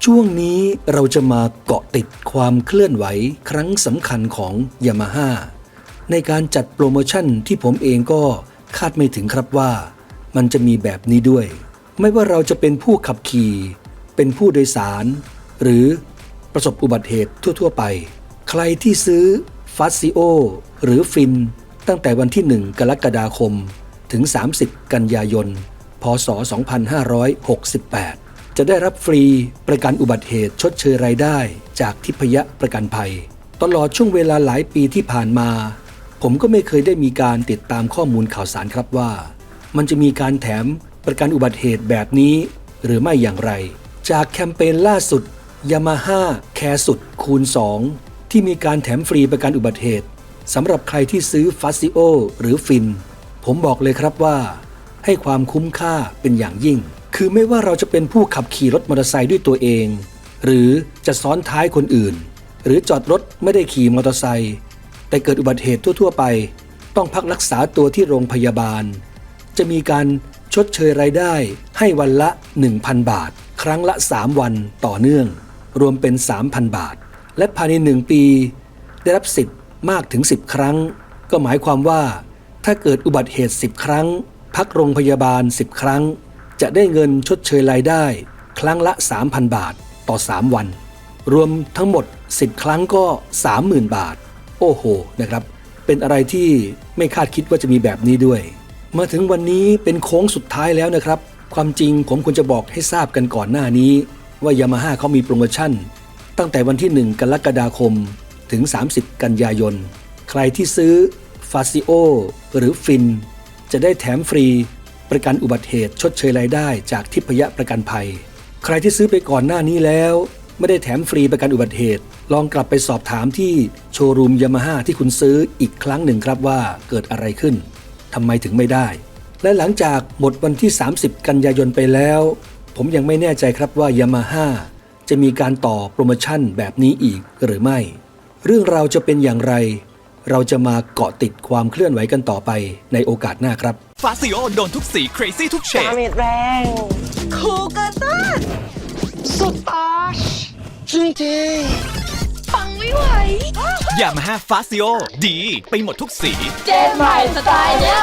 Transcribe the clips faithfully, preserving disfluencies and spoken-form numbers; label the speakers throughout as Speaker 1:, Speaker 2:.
Speaker 1: ช่วงนี้เราจะมาเกาะติดความเคลื่อนไหวครั้งสำคัญของ Yamaha ในการจัดโปรโมชั่นที่ผมเองก็คาดไม่ถึงครับว่ามันจะมีแบบนี้ด้วย ไม่ว่าเราจะเป็นผู้ขับขี่เป็นผู้โดยสารหรือประสบอุบัติเหตุทั่วๆไปใครที่ซื้อ Fazio หรือฟินตั้งแต่วันที่หนึ่งกรกฎาคมถึงสามสิบกันยายนพ.ศ. สองพันห้าร้อยหกสิบแปดจะได้รับฟรีประกันอุบัติเหตุชดเชยรายได้จากทิพยประกันภัยตลอดช่วงเวลาหลายปีที่ผ่านมาผมก็ไม่เคยได้มีการติดตามข้อมูลข่าวสารครับว่ามันจะมีการแถมประกันอุบัติเหตุแบบนี้หรือไม่อย่างไรจากแคมเปญล่าสุด Yamaha แคร์สุดคูณสองที่มีการแถมฟรีประกันอุบัติเหตุสำหรับใครที่ซื้อ Fazio หรือฟินผมบอกเลยครับว่าให้ความคุ้มค่าเป็นอย่างยิ่งคือไม่ว่าเราจะเป็นผู้ขับขี่รถมอเตอร์ไซค์ด้วยตัวเองหรือจะซ้อนท้ายคนอื่นหรือจอดรถไม่ได้ขี่มอเตอร์ไซค์แต่เกิดอุบัติเหตุทั่วๆไปต้องพักรักษาตัวที่โรงพยาบาลจะมีการชดเชยรายได้ให้วันละ หนึ่งพัน บาทครั้งละสามวันต่อเนื่องรวมเป็น สามพัน บาทและภายในหนึ่งปีได้รับสิทธิ์มากถึงสิบครั้งก็หมายความว่าถ้าเกิดอุบัติเหตุสิบครั้งพักโรงพยาบาลสิบครั้งจะได้เงินชดเชยรายได้ครั้งละ สามพัน บาทต่อสามวันรวมทั้งหมดสิบครั้งก็ สามหมื่น บาทโอ้โหนะครับเป็นอะไรที่ไม่คาดคิดว่าจะมีแบบนี้ด้วยมาถึงวันนี้เป็นโค้งสุดท้ายแล้วนะครับความจริงผมควรจะบอกให้ทราบกันก่อนหน้านี้ว่า Yamaha เขามีโปรโมชั่นตั้งแต่วันที่หนึ่งกรกฎาคมถึงสามสิบกันยายนใครที่ซื้อ Fazio หรือฟินจะได้แถมฟรีประกันอุบัติเหตุชดเชยรายได้จากทิพยประกันภัยใครที่ซื้อไปก่อนหน้านี้แล้วไม่ได้แถมฟรีประกันอุบัติเหตุลองกลับไปสอบถามที่โชว์รูม Yamaha ที่คุณซื้ออีกครั้งหนึ่งครับว่าเกิดอะไรขึ้นทำไมถึงไม่ได้และหลังจากหมดวันที่สามสิบกันยายนไปแล้วผมยังไม่แน่ใจครับว่า Yamaha จะมีการต่อโปรโมชั่นแบบนี้อีกหรือไม่เรื่องราวจะเป็นอย่างไรเราจะมาเกาะติดความเคลื่อนไหวกันต่อไปในโอกาสหน้าครับ
Speaker 2: Fazio โดนทุกสี crazy ทุกเฉ
Speaker 3: ดา
Speaker 2: ด
Speaker 3: เมจแรงคูเกอร์ตันสุดอาชจริงๆฟังไม่ไหว
Speaker 2: Yamaha Fazio ดีไปหมดทุกสี
Speaker 3: เจนใหม่สไตล์เนี้ย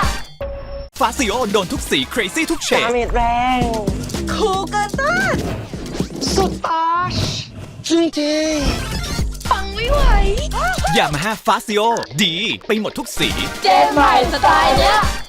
Speaker 2: Fazio โดนทุกสี crazy ทุกเฉ
Speaker 3: ดา
Speaker 2: ด
Speaker 3: เมจแรงคูเกอร์ตันสุดอาชจริงๆฟังไม่ไหว
Speaker 2: Yamaha Fazio ดีไปหมดทุกสี
Speaker 3: เจนใหม่สไตล์เนี้ย